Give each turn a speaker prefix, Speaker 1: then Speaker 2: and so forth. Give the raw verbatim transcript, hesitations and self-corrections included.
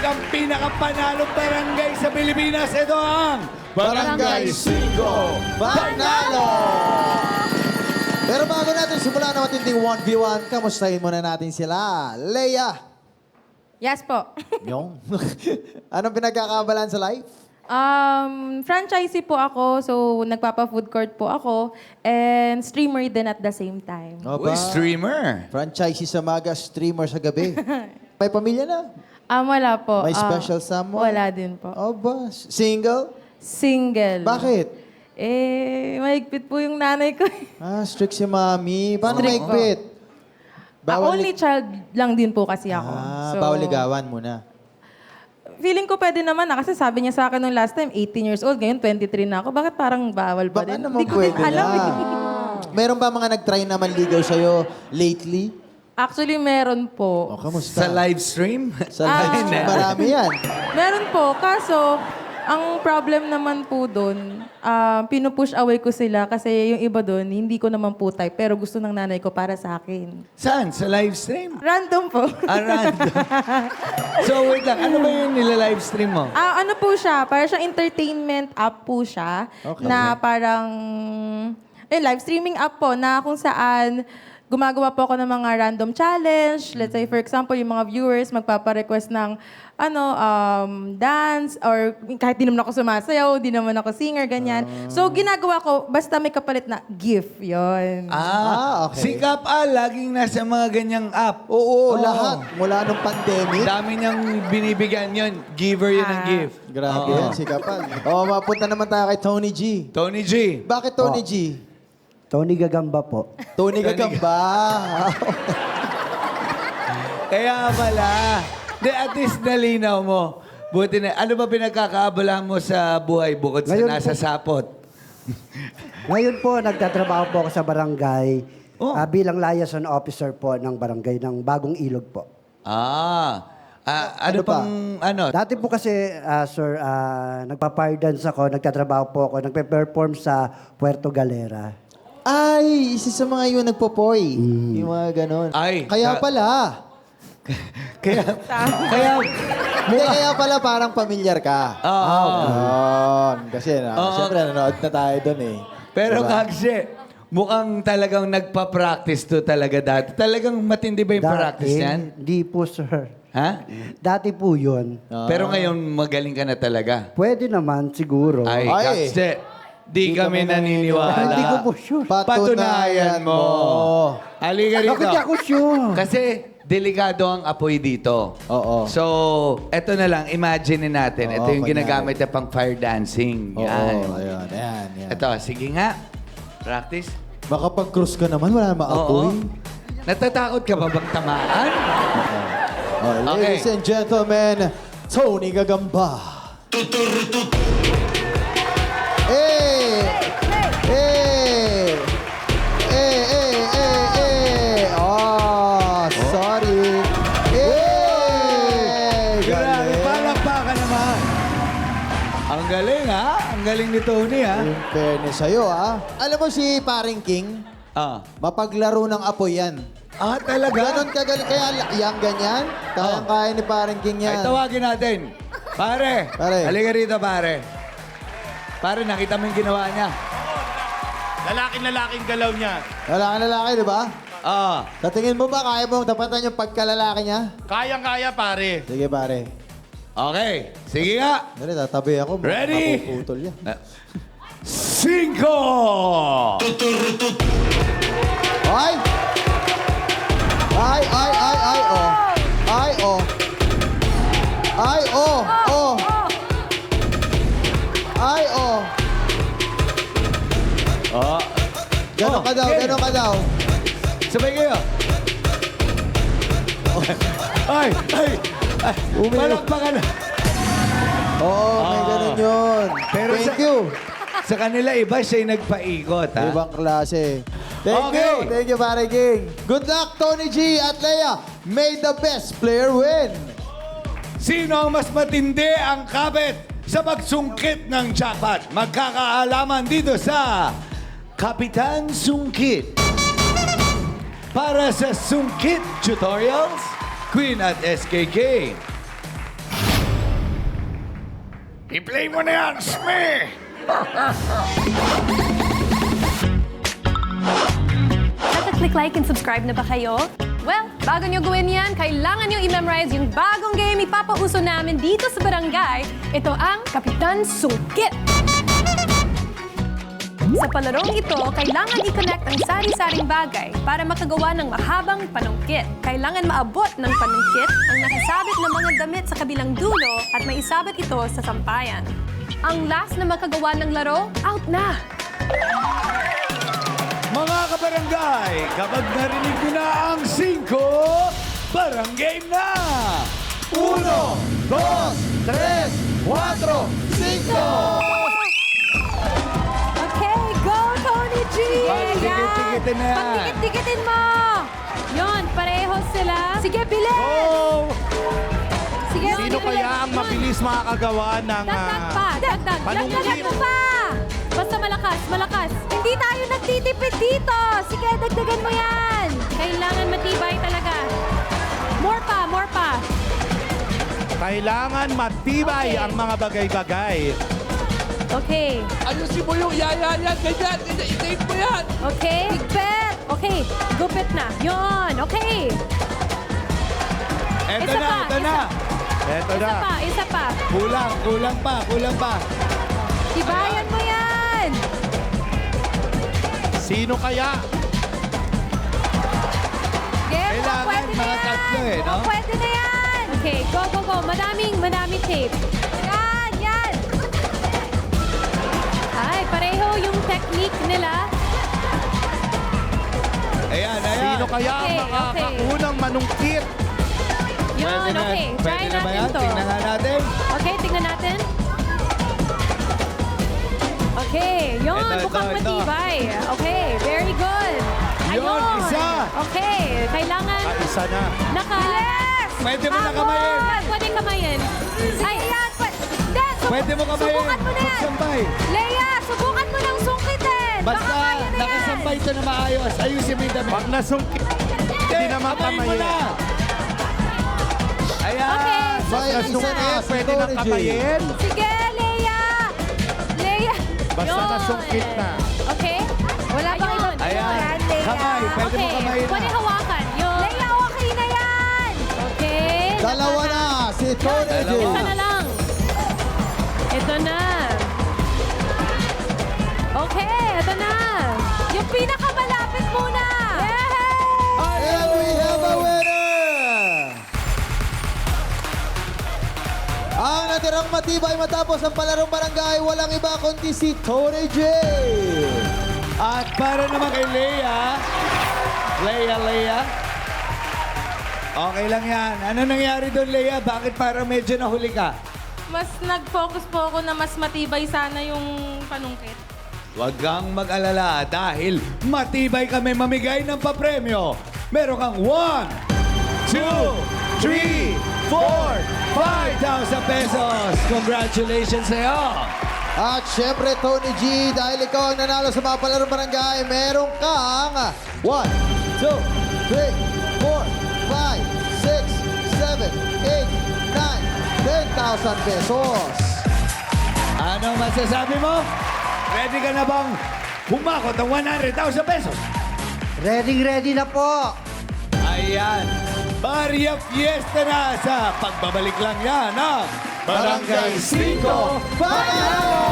Speaker 1: ang pinakapanalong barangay sa Pilipinas. Ito ang
Speaker 2: Barangay Cinco Panalo! Pero bago natin simulan na matinding one v one, kamustahin muna natin sila. Leia!
Speaker 3: Yes po.
Speaker 2: Yung? Anong pinagkakabalan sa life?
Speaker 3: Um, franchisee po ako, so nagpapa-food court po ako, and streamer din at the same time.
Speaker 1: Uy, streamer.
Speaker 2: Franchisee sa maga, streamer sa gabi. May pamilya na?
Speaker 3: Ah, wala po.
Speaker 2: May
Speaker 3: Ah,
Speaker 2: special someone?
Speaker 3: Wala din po.
Speaker 2: O ba? Single?
Speaker 3: Single.
Speaker 2: Bakit?
Speaker 3: Eh, mahigpit po yung nanay ko.
Speaker 2: Ah, strict si mami. Paano
Speaker 3: Strict
Speaker 2: maigpit?
Speaker 3: Ah, only child lang din po kasi ako.
Speaker 2: Ah,
Speaker 3: So,
Speaker 2: bawal ligawan muna.
Speaker 3: Feeling ko pwede naman na kasi sabi niya sa akin nung last time, eighteen years old, ngayon twenty-three na ako. Bakit parang bawal pa
Speaker 2: Baka
Speaker 3: din?
Speaker 2: naman
Speaker 3: Hindi ko din
Speaker 2: pwede
Speaker 3: alam
Speaker 2: na.
Speaker 3: eh.
Speaker 2: Meron ba mga nag-try na manligaw sa'yo lately?
Speaker 3: Actually, meron po.
Speaker 2: O, kamusta?
Speaker 1: Sa live stream?
Speaker 2: Sa
Speaker 3: Ah.
Speaker 2: live stream, marami yan.
Speaker 3: Meron po, kaso ang problem naman po doon, ah, pinupush away ko sila kasi yung iba doon, hindi ko naman po type, pero gusto ng nanay ko para sa akin.
Speaker 1: Saan? Sa live stream?
Speaker 3: Random po.
Speaker 1: Ah, random. So, wait lang. Ano ba yung nila-live stream mo?
Speaker 3: Ah, ano po siya, parang siyang entertainment app po siya,
Speaker 2: Okay.
Speaker 3: na parang, eh, live streaming app po, na kung saan gumagawa po ako ng mga random challenge. Let's say, for example, yung mga viewers magpapa-request ng ano, um, dance, or kahit di naman ako sumasayaw, di naman ako singer, ganyan. So, ginagawa ko, basta may kapalit na gift, yon.
Speaker 1: Ah,
Speaker 2: Ah, okay.
Speaker 1: Si Kap A, laging nasa mga ganyang app.
Speaker 2: Oo,
Speaker 1: Oo.
Speaker 2: lahat. Mula nung pandemic.
Speaker 1: Dami niyang binibigyan yun. Giver yun ng
Speaker 3: Ah.
Speaker 1: gift.
Speaker 2: Grabe
Speaker 1: Oo.
Speaker 2: yan, si Kapal. O, mapunta naman tayo kay Tony G.
Speaker 1: Tony G.
Speaker 2: Bakit Tony G?
Speaker 4: Tony Gagamba po.
Speaker 2: Tony Gagamba.
Speaker 1: Kaya pala. Di, at least nalinaw mo. Buti na. Ano ba pinagkakaabalahan mo sa buhay bukod sa
Speaker 4: Ngayon
Speaker 1: nasa
Speaker 4: po-
Speaker 1: sapot?
Speaker 4: Ngayon po, nagtatrabaho po ako sa barangay
Speaker 1: Oh.
Speaker 4: ah, bilang liaison officer po ng barangay ng Bagong Ilog po.
Speaker 1: Ah. Ah, ano
Speaker 2: Ano pa?
Speaker 1: pang, ano?
Speaker 4: Dati po kasi, ah, sir, ah, nagpa-fire dance ako, nagtatrabaho po ako, nagpe-perform sa Puerto Galera.
Speaker 2: Ay, isa sa mga yun nagpopoy. Yung mga ganon.
Speaker 1: Ay,
Speaker 2: Kaya
Speaker 1: sa-
Speaker 2: pala.
Speaker 1: Kaya, kaya,
Speaker 2: Hindi, kaya pala parang pamilyar ka.
Speaker 1: Oo.
Speaker 2: Ganon. Kasi na,
Speaker 1: Oo.
Speaker 2: siyempre nanood na tayo doon eh.
Speaker 1: pero
Speaker 2: Diba?
Speaker 1: Kagse, mukhang talagang nagpa-practice to talaga dati. Talagang matindi ba yung practice
Speaker 4: Dati,
Speaker 1: niyan?
Speaker 4: Hindi po, sir.
Speaker 1: Ha?
Speaker 4: Dati po yun.
Speaker 2: Ah.
Speaker 1: Pero ngayon, magaling ka na talaga.
Speaker 4: Pwede naman, siguro.
Speaker 1: Ay,
Speaker 2: Ay.
Speaker 1: Kagse, di, kami naniniwala.
Speaker 4: Hindi ko po sure.
Speaker 1: Patunayan mo. Halika rito.
Speaker 4: Bakit di ako sure?
Speaker 1: Kasi delikado ang apoy dito.
Speaker 2: Oo.
Speaker 1: So, eto na lang, imagine natin.
Speaker 2: Oo,
Speaker 1: ito yung
Speaker 2: kunyari.
Speaker 1: ginagamit na pang fire dancing.
Speaker 2: Oo,
Speaker 1: Yan.
Speaker 2: ayun, ayan, yan.
Speaker 1: Ito, sige nga. Practice.
Speaker 2: Baka pag-cruise ka naman, wala namang apoy.
Speaker 1: Oo. Natatakot ka ba bang tamaan?
Speaker 2: Oh, ladies and gentlemen, Tony Gagamba. Eh! Eh! Eh, eh, eh, eh! Oh, sorry. Eh!
Speaker 1: Grabe,
Speaker 2: Galing.
Speaker 1: palakpakan naman. Ang galing, ha? Ang galing ni Tony, ha?
Speaker 2: In fairness sa'yo, ah. Alam mo si Paring King,
Speaker 1: Ah.
Speaker 2: mapaglaro ng apoy yan.
Speaker 1: Ah, talaga?
Speaker 2: Ganon kagaling. Kaya yang ganyan, kayang-kaya ni Paring King
Speaker 1: Ay,
Speaker 2: yan.
Speaker 1: tawagin natin. Pare.
Speaker 2: Pare.
Speaker 1: Halika rito, pare. Pare, nakita mo yung ginawa niya.
Speaker 5: Lalaking-lalaking galaw niya.
Speaker 2: Wala ka lalaki, di ba?
Speaker 1: Ah.
Speaker 2: Sa tingin mo ba, kaya mong tapatan yung pagkalalaki niya?
Speaker 5: Kayang-kaya, pare.
Speaker 2: Sige, pare.
Speaker 1: Okay. Sige nga.
Speaker 2: Dali, tatabi ako. Baka
Speaker 1: Ready?
Speaker 2: mapuputol yan.
Speaker 1: Ah. Cinco!
Speaker 2: Ay! Ay, ay, ay, ay, oh. Ay, oh. Ay, oh, oh. Ay, oh.
Speaker 1: Oh.
Speaker 2: Ganon
Speaker 1: Oh,
Speaker 2: ka daw,
Speaker 1: okay.
Speaker 2: ganon ka daw.
Speaker 1: Sabay kayo. Ay, ay, ay. Palakpakan na.
Speaker 2: Oo, may
Speaker 1: Ah.
Speaker 2: ganon yun.
Speaker 1: Pero
Speaker 2: Thank
Speaker 1: sa-
Speaker 2: you.
Speaker 1: Sa kanila, iba siya yung nagpaikot, ha?
Speaker 2: Ibang klase. Thank
Speaker 1: Okay.
Speaker 2: you. Thank you, Pare King. Good luck, Tony G at Leia. May the best player win.
Speaker 1: Sino ang mas matindi ang kabit sa pagsungkit ng jackpot? Magkakaalaman dito sa Kapitan Sungkit. Para sa Sungkit Tutorials, Queen at S K K. I-play mo na yan, Sme!
Speaker 5: Naka-click like and subscribe na ba kayo? Well, bago nyo gawin yan, kailangan nyo i-memorize yung bagong game ipapauso namin dito sa barangay. Ito ang Kapitan Sungkit. Sa palarong ito, kailangan i-connect ang sari-saring bagay para makagawa ng mahabang panungkit. Kailangan maabot ng panungkit ang nakasabit na mga damit sa kabilang dulo at maisabit ito sa sampayan. Ang last na makagawa ng laro, out na!
Speaker 1: Mga kabarangay, kapag narinig ko na ang singko, barang game na!
Speaker 2: Uno, dos, tres, cuatro, cinco!
Speaker 3: Okay, go, Tony G!
Speaker 1: Pagtikit-tikitin na yan.
Speaker 3: Pagtikit-tikitin mo! Yun, pareho sila. Sige, bilis!
Speaker 6: Oh!
Speaker 3: Sige,
Speaker 6: Sino
Speaker 3: bilis.
Speaker 6: kaya ang mabilis makakagawa ng...
Speaker 3: Dagdag
Speaker 6: ah,
Speaker 3: pa, dagdag.
Speaker 6: panungkit?
Speaker 3: Dagdagan mo pa! Basta malakas, malakas. Hindi tayo nagtitipid dito. Sige, dagdagan mo yan. Kailangan matibay talaga. More pa, more pa.
Speaker 6: Kailangan matibay
Speaker 3: Okay.
Speaker 6: ang mga bagay-bagay.
Speaker 3: Okay.
Speaker 7: Ayusin mo yung yaya yan, ganyan, i-tape mo yan.
Speaker 3: Okay. Higpit. Okay. Gupit na. Yun. Okay.
Speaker 1: Eto
Speaker 3: Isa
Speaker 1: na,
Speaker 3: pa,
Speaker 1: eto
Speaker 3: isa.
Speaker 1: na.
Speaker 6: Eto
Speaker 3: Isa
Speaker 6: na.
Speaker 3: pa, isa pa.
Speaker 1: Kulang, kulang pa, kulang pa.
Speaker 3: Tibayan mo yan.
Speaker 6: Sino kaya?
Speaker 3: Game,
Speaker 1: Kailangan
Speaker 3: pwede na
Speaker 1: mga
Speaker 3: yan.
Speaker 1: tatlo eh, no?
Speaker 3: Oh, pwede na yan. Okay, go, go, go. Madaming, madaming tape. Yan, yan. Ay, pareho yung technique nila.
Speaker 1: Ayan, ayan.
Speaker 6: Sino kaya ang
Speaker 3: Okay, okay.
Speaker 6: makakaunang manungkit?
Speaker 3: Yun,
Speaker 1: Pwede na-
Speaker 3: okay. Try
Speaker 1: Pwede na ba
Speaker 3: natin
Speaker 1: yan?
Speaker 3: to.
Speaker 1: Tingnan nga natin.
Speaker 3: Okay, tingnan natin. Okay, yun.
Speaker 1: Ito, ito,
Speaker 3: mukhang
Speaker 1: ito.
Speaker 3: matibay. Okay, very good.
Speaker 1: Yun,
Speaker 3: Ayun.
Speaker 1: isa.
Speaker 3: Okay, kailangan
Speaker 6: Ah, isa na.
Speaker 3: naka...
Speaker 1: Pwede mo na
Speaker 3: Hamon.
Speaker 1: kamayin.
Speaker 3: Pwede kamayin. Ay, yan. Pwede, Hindi, sub-
Speaker 1: Pwede mo kamayin.
Speaker 3: Subukan mo na yan.
Speaker 1: Magsampay.
Speaker 3: Leia, subukan mo ng sungkitin.
Speaker 1: Basta
Speaker 3: Baka kaya na yan.
Speaker 1: nakasampay ito na maayos. Ayusin mo yung damit.
Speaker 6: Pag nasungkit, hindi na
Speaker 1: kamayin mo
Speaker 6: makamayin.
Speaker 1: na. Ayan.
Speaker 3: Okay.
Speaker 6: Pag
Speaker 2: May isa
Speaker 6: nasungkit,
Speaker 2: na si
Speaker 6: pwede na
Speaker 2: Tony G.
Speaker 6: kamayin.
Speaker 3: Sige, Leia. Leia.
Speaker 6: Basta
Speaker 3: Yun.
Speaker 6: nasungkit na.
Speaker 3: Okay. Wala bang iba?
Speaker 1: Ayan.
Speaker 3: Leia.
Speaker 1: Kamay. Pwede mo
Speaker 3: Okay.
Speaker 1: kamayin
Speaker 3: Pwede
Speaker 1: na.
Speaker 3: hawakan. Yun. Leia, okay na yan. Okay.
Speaker 2: Dalawa na si Tony G.
Speaker 3: Ito na lang. Ito na. Okay, ito na. Yung pinakamalapit muna. Yay!
Speaker 2: And we have a winner! Ang natirang matibay matapos ang palarong barangay, walang iba kundi si Tony J.
Speaker 1: At para naman kay Leia. Leia, Leia. Okay lang yan. Ano nangyari doon, Leia? Bakit parang medyo nahuli ka?
Speaker 8: Mas nag-focus po ako na mas matibay sana yung panungkit.
Speaker 1: Huwag kang mag-alala dahil matibay kami mamigay ng papremyo. Meron kang one, two, three, four, five thousand pesos. Congratulations sa'yo.
Speaker 2: At syempre, Tony G, dahil ikaw ang nanalo sa mga palarong barangay, meron kang one, two, three, four, five, six, seven, eight, nine, ten thousand pesos.
Speaker 1: Ano masasabi mo? Ready ka na bang humakot ng one hundred thousand pesos?
Speaker 4: Ready, ready na po.
Speaker 1: Ayan. Barya Fiesta na sa pagbabalik lang yan ng
Speaker 2: Barangay Cinco Panalo!